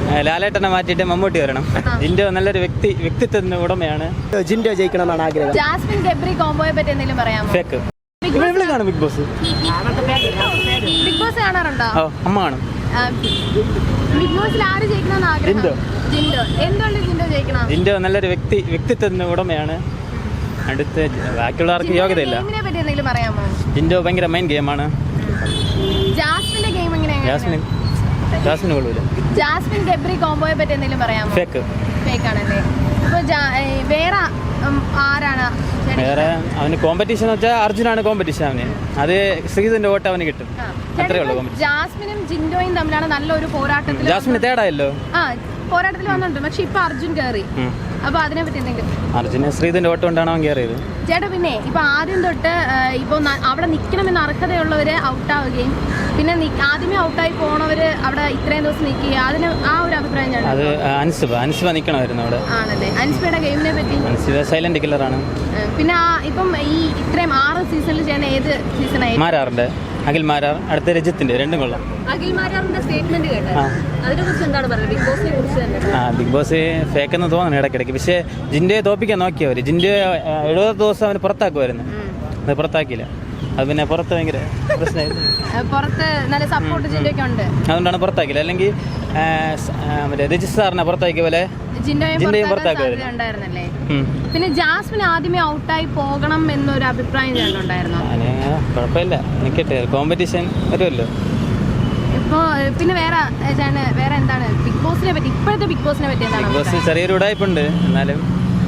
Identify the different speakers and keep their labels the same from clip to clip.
Speaker 1: ലാലേട്ടനെ മാറ്റിയിട്ട് മമ്മൂട്ടി വരണം. ജിൻഡോ നല്ലൊരു വ്യക്തിത്വത്തിന് ഉടമയാണ്.
Speaker 2: ജിൻഡോ ജയിക്കണമെന്നാണ് ആഗ്രഹം.
Speaker 3: ജാസ്മിൻ ഗബ്രി കോംബോയെ പറ്റി എന്തെങ്കിലും പറയാമോ?
Speaker 1: ഫേക്ക്. ഇവിടെ കാണും ബിഗ് ബോസ്.
Speaker 3: ബിഗ് ബോസ് കാണാറുണ്ടോ?
Speaker 1: അമ്മ കാണും.
Speaker 3: ബിഗ് ബോസിൽ ആര് ജയിക്കണമെന്ന് ആഗ്രഹം? ജിൻഡോ. എന്തുകൊണ്ട് ജിൻഡോ ജയിക്കണം?
Speaker 1: ജിൻഡോ നല്ലൊരു വ്യക്തിത്വത്തിന് ഉടമയാണ്. അടുത്ത് ബാക്കിയുള്ളവർക്ക് യോഗ്യതയില്ല.
Speaker 3: ഗെയിമിനെ പറ്റി എന്തെങ്കിലും പറയാമോ?
Speaker 1: ജിൻഡോ ഭയങ്കര മെയിൻ ഗെയിമാണ്.
Speaker 3: ജാസ്മിന്റെ ഗെയിം എങ്ങനെയാണ്?
Speaker 1: ജാസ്മിന് കൊള്ളൂല.
Speaker 3: ജാസ്മിൻ ഗബ്രി കോംബോയെ പറ്റി എന്തെങ്കിലും പറയാമോ?
Speaker 1: ഫേക്ക്
Speaker 3: ആണല്ലേ. ഇപ്പൊ വേറെ ആരാണ്?
Speaker 1: വേറെ അവന് കോമ്പറ്റീഷൻ എന്ന് വെച്ചാൽ അർജുനാണ് കോമ്പറ്റീഷൻ. അവന് അത് ശ്രീധന്റെ വോട്ട് അവന് കിട്ടും. അത്രേ ഉള്ളൂ.
Speaker 3: ജാസ്മിനും ജിൻഡോയും തമ്മിലാണ് നല്ലൊരു പോരാട്ടത്തിൽ.
Speaker 1: ജാസ്മിന് തേടായല്ലോ,
Speaker 3: പോരാട്ടത്തിൽ വന്നിട്ടുണ്ട്. പക്ഷെ ഇപ്പൊ അർജുൻ കയറി. അപ്പൊ അതിനെ പറ്റി എന്തെങ്കിലും?
Speaker 1: അർജുന് ശ്രീധന്റെ വോട്ട് കൊണ്ടാണ് അവൻ കയറിയത്.
Speaker 3: ചേട്ടാ, പിന്നെ ഇപ്പൊ ആദ്യം തൊട്ട് ഇപ്പൊ അവിടെ നിൽക്കണമെന്ന് അർഹതയുള്ളവര് ഔട്ടാവുകയും പിന്നെ ആദ്യമേ ഔട്ടായി പോണവര് അവിടെ ഇത്രയും ദിവസം നിൽക്കുക, അതിന് ആ ഒരു അഭിപ്രായം
Speaker 1: അത് അൻസിബ നിൽക്കണമായിരുന്നു അവിടെ.
Speaker 3: ആണല്ലേ. അൻസിബയുടെ ഗെയിമിനെ പറ്റി?
Speaker 1: അൻസിബ സൈലന്റ് കില്ലറാണ്.
Speaker 3: പിന്നെ ഇപ്പം ഈ ഇത്രയും 6 സീസണിൽ ചെയ്യുന്ന ഏത് സീസണായി?
Speaker 1: മാരാറിന്റെ അഖിൽ മാരാർ, അടുത്ത രജിത്തിന്റെ, രണ്ടും കൊള്ളാം.
Speaker 3: അഖിൽ മാരാറിന്റെ സ്റ്റേറ്റ്മെന്റ് കേട്ടോ, അതിനെ കുറിച്ച് എന്താണ് പറയുന്നത്? ബിഗ് ബോസിനെ കുറിച്ച് തന്നെ.
Speaker 1: ബിഗ് ബോസ് ഫേക്ക് എന്ന് തോന്നുന്നു ഇടയ്ക്കിടയ്ക്ക്. പക്ഷേ ജിൻഡോയെ തോപ്പിക്കാൻ നോക്കിയവര്. ജിൻഡോ 70 ദിവസം അവന് പുറത്താക്കുമായിരുന്നു. അത് പുറത്താക്കിയില്ല. അത് പിന്നെ പുറത്ത് ഭയങ്കര പ്രശ്നമായിരുന്നു.
Speaker 3: പുറത്ത് നല്ല സപ്പോർട്ട് ജിൻഡോയ്ക്ക് ഉണ്ട്,
Speaker 1: അതുകൊണ്ടാണ് പുറത്താക്കില്ല. അല്ലെങ്കിൽ മറ്റേ രജിസ്ട്രാറിനെ പുറത്താക്കിയ പോലെ ജിൻഡോയും പുറത്താക്കുമായിരുന്നു.
Speaker 3: പിന്നെ ജാസ്മിൻ ആദ്യമേ ഔട്ടായി പോകണം എന്നൊരു അഭിപ്രായം ഉണ്ടായിരുന്നു.
Speaker 1: കുഴപ്പമില്ല, നിൽക്കട്ടെ, കോമ്പറ്റീഷൻ വരുമല്ലോ.
Speaker 3: ഇപ്പോ പിന്നെ വേറെ എന്താണ് ബിഗ് ബോസിനെ പറ്റി? ഇപ്പോഴത്തെ ബിഗ് ബോസിനെ പറ്റി എന്താണ്?
Speaker 1: ബിഗ് ബോസ് ചെറിയൊരു ഉടായ്പുണ്ട്. എന്നാലും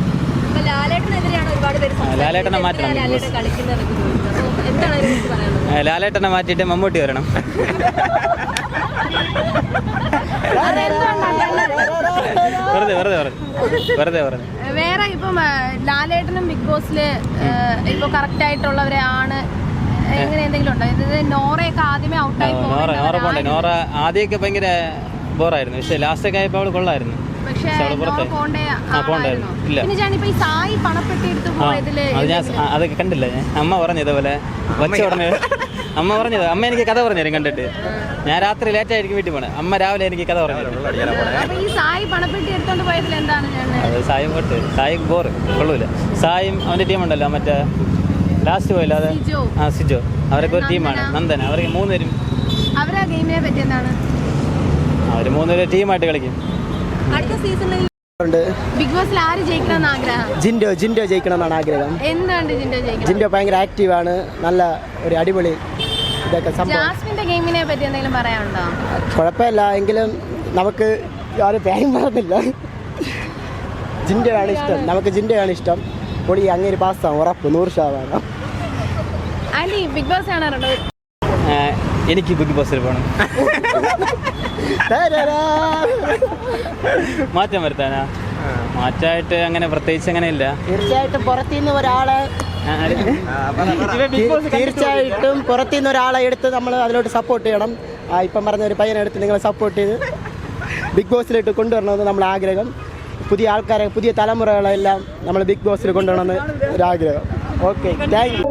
Speaker 1: ലാലേട്ടനെ മാറ്റണം. ലാലേട്ടനെ മാറ്റിയിട്ട് മമ്മൂട്ടി വരണം. വെറുതെ പറഞ്ഞു.
Speaker 3: വേറെ ഇപ്പം ലാലേട്ടനും ബിഗ് ബോസില് ഇപ്പൊ കറക്റ്റ് ആയിട്ടുള്ളവരെ ആണ് എങ്ങനെ എന്തെങ്കിലും ഉണ്ടോ? ഇത് നോറയൊക്കെ ആദ്യമേ ഔട്ടായി
Speaker 1: പോകണ്ടേ. നോറ ആദ്യമൊക്കെ ഭയങ്കര ബോറായിരുന്നു. പക്ഷെ ലാസ്റ്റൊക്കെ ആയപ്പോ അവള് കൊള്ളായിരുന്നു. അതൊക്കെ കണ്ടില്ല ഞാൻ. അമ്മ പറഞ്ഞത് പോലെ വച്ച ഉടനെ അമ്മ എനിക്ക് കഥ പറഞ്ഞു തരും കണ്ടിട്ട്. ഞാൻ രാത്രി ലേറ്റ് ആയിരിക്കും വീട്ടിൽ പോണേ. അമ്മ രാവിലെ എനിക്ക് കഥ പറഞ്ഞു തരും. അത് സായും കൊട്ട് സായിക്ക് ബോറ് കൊള്ളൂല. സായും അവന്റെ ടീമുണ്ടല്ലോ, മറ്റേ ലാസ്റ്റ് പോയില്ല, അത് സിജോ, അവരൊക്കെ ഒരു ടീമാണ്. നന്ദന, അവർക്ക് 3 പേരും അവര് 3 പേരും ടീമായിട്ട് കളിക്കും.
Speaker 3: ബിഗ് ബോസിൽ ആര് ജയിക്കണമെന്ന് ആഗ്രഹം?
Speaker 2: ജിൻഡോ ജയിക്കണമെന്നാണ് ആഗ്രഹം.
Speaker 3: എന്തുകൊണ്ട് ജിൻഡോ ജയിക്കണം?
Speaker 2: ജിൻഡോ ഭയങ്കര ആക്റ്റീവാണ്, നല്ല ഒരു അടിപൊളി ഇതൊക്കെ.
Speaker 3: ജാസ്മിന്റെ ഗെയിമിനെ പറ്റി എന്തെങ്കിലും പറയാനുണ്ടോ?
Speaker 2: കുഴപ്പമില്ല, എങ്കിലും നമുക്ക് ആരും പേരും പറഞ്ഞില്ല. ജിൻഡോയാണ് ഇഷ്ടം, നമുക്ക് ജിൻഡോയാണ് ഇഷ്ടം. പൊടി അങ്ങനെ പാസ്സാവും, ഉറപ്പ് 100%.
Speaker 3: ബിഗ് ബോസ് കാണാറുണ്ടോ?
Speaker 1: എനിക്ക് ബിഗ് ബോസിൽ പോകണം. മാറ്റം വരുത്താനാ? മാറ്റമായിട്ട് അങ്ങനെ പ്രത്യേകിച്ച് അങ്ങനെ ഇല്ല.
Speaker 2: തീർച്ചയായിട്ടും പുറത്തുനിന്ന് ഒരാളെ എടുത്ത് നമ്മൾ അതിലോട്ട് സപ്പോർട്ട് ചെയ്യണം. ഇപ്പം പറഞ്ഞ ഒരു പയ്യനെ എടുത്ത് നിങ്ങൾ സപ്പോർട്ട് ചെയ്ത് ബിഗ് ബോസിലോട്ട് കൊണ്ടുവരണമെന്ന് നമ്മൾ ആഗ്രഹം. പുതിയ ആൾക്കാരെ, പുതിയ തലമുറകളെല്ലാം നമ്മൾ ബിഗ് ബോസിൽ കൊണ്ടുവരണമെന്ന് ഒരാഗ്രഹം. Okay, thank U.